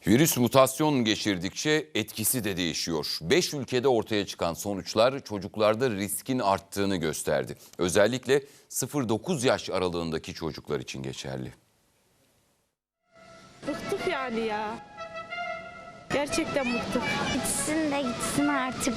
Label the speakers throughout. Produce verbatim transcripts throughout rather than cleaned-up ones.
Speaker 1: Virüs mutasyon geçirdikçe etkisi de değişiyor. beş ülkede ortaya çıkan sonuçlar çocuklarda riskin arttığını gösterdi. Özellikle sıfır dokuz yaş aralığındaki çocuklar için geçerli.
Speaker 2: Bıktık yani ya. Gerçekten bıktık.
Speaker 3: Gitsin de gitsin artık.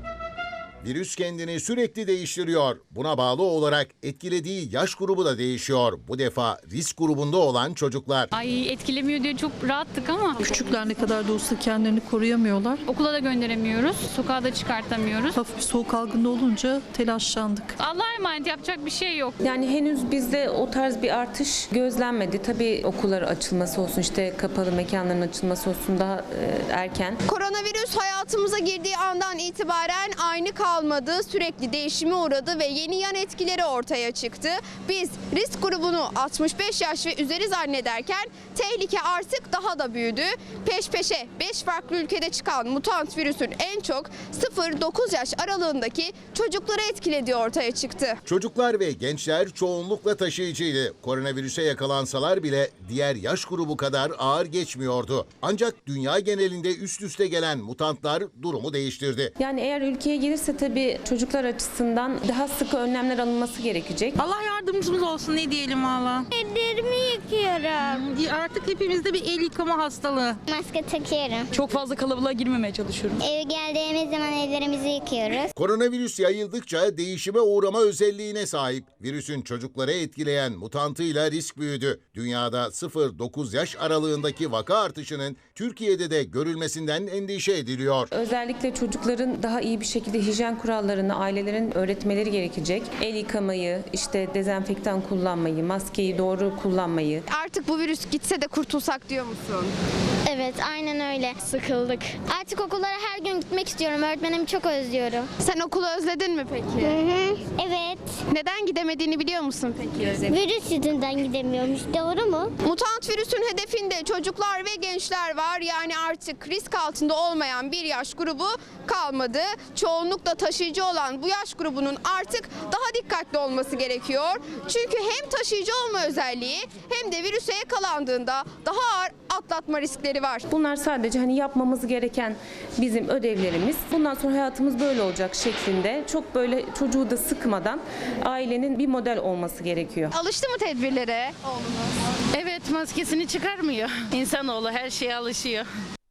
Speaker 4: Virüs kendini sürekli değiştiriyor. Buna bağlı olarak etkilediği yaş grubu da değişiyor. Bu defa risk grubunda olan çocuklar.
Speaker 5: Ay etkilemiyor diye çok rahattık ama
Speaker 6: Küçükler ne kadar da olsa kendilerini koruyamıyorlar.
Speaker 5: okula da gönderemiyoruz, sokağa da çıkartamıyoruz.
Speaker 6: Hafif bir soğuk algında olunca telaşlandık.
Speaker 5: Allah'a emanet, yapacak bir şey yok.
Speaker 7: Yani henüz bizde o tarz bir artış gözlenmedi. Tabii okullar açılması olsun, işte kapalı mekanların açılması olsun daha e, erken.
Speaker 8: Koronavirüs hayatımıza girdiği andan itibaren aynı kalmadı. Sürekli değişime uğradı ve yeni yan etkileri ortaya çıktı. Biz risk grubunu altmış beş yaş ve üzeri zannederken tehlike artık daha da büyüdü. Peş peşe beş farklı ülkede çıkan mutant virüsün en çok sıfır dokuz yaş aralığındaki çocukları etkilediği ortaya çıktı.
Speaker 4: Çocuklar ve gençler çoğunlukla taşıyıcıydı. Koronavirüse yakalansalar bile diğer yaş grubu kadar ağır geçmiyordu. Ancak dünya genelinde üst üste gelen mutantlar durumu değiştirdi.
Speaker 7: Yani eğer ülkeye gelirse tabii çocuklar açısından daha sıkı önlemler alınması gerekecek.
Speaker 9: Allah yardımcımız olsun, ne diyelim valla.
Speaker 3: Ellerimi yıkıyorum.
Speaker 9: Artık hepimizde bir el yıkama hastalığı.
Speaker 3: Maske takıyorum.
Speaker 5: Çok fazla kalabalığa girmemeye çalışıyorum.
Speaker 3: Eve geldiğimiz zaman ellerimizi yıkıyoruz.
Speaker 4: Koronavirüs yayıldıkça değişime uğrama özelliğine sahip. Virüsün çocukları etkileyen mutantıyla risk büyüdü. Dünyada sıfır dokuz yaş aralığındaki vaka artışının Türkiye'de de görülmesinden endişe ediliyor.
Speaker 7: Özellikle çocukların daha iyi bir şekilde hijyen kurallarını ailelerin öğretmeleri gerekecek. El yıkamayı, işte dezenfektan kullanmayı, maskeyi doğru kullanmayı.
Speaker 8: Artık bu virüs gitse de kurtulsak diyor musun?
Speaker 3: Evet, aynen öyle. Sıkıldık. Artık okullara her gün gitmek istiyorum. Öğretmenimi çok özlüyorum.
Speaker 8: Sen okulu özledin mi peki?
Speaker 3: Hı hı. Evet.
Speaker 8: Neden gidemediğini biliyor musun peki?
Speaker 3: Virüs yüzünden gidemiyormuş. Doğru mu?
Speaker 8: Mutant virüsün hedefinde çocuklar ve gençler var. Yani artık risk altında olmayan bir yaş grubu kalmadı. Çoğunlukla taşıyıcı olan bu yaş grubunun artık daha dikkatli olması gerekiyor. Çünkü hem taşıyıcı olma özelliği hem de virüse yakalandığında daha ağır atlatma riskleri var.
Speaker 7: Bunlar sadece hani yapmamız gereken bizim ödevlerimiz. Bundan sonra hayatımız böyle olacak şeklinde çok böyle çocuğu da sıkmadan ailenin bir model olması gerekiyor.
Speaker 8: Alıştı mı tedbirlere?
Speaker 9: Evet, maskesini çıkarmıyor. İnsanoğlu her şeye alışıyor.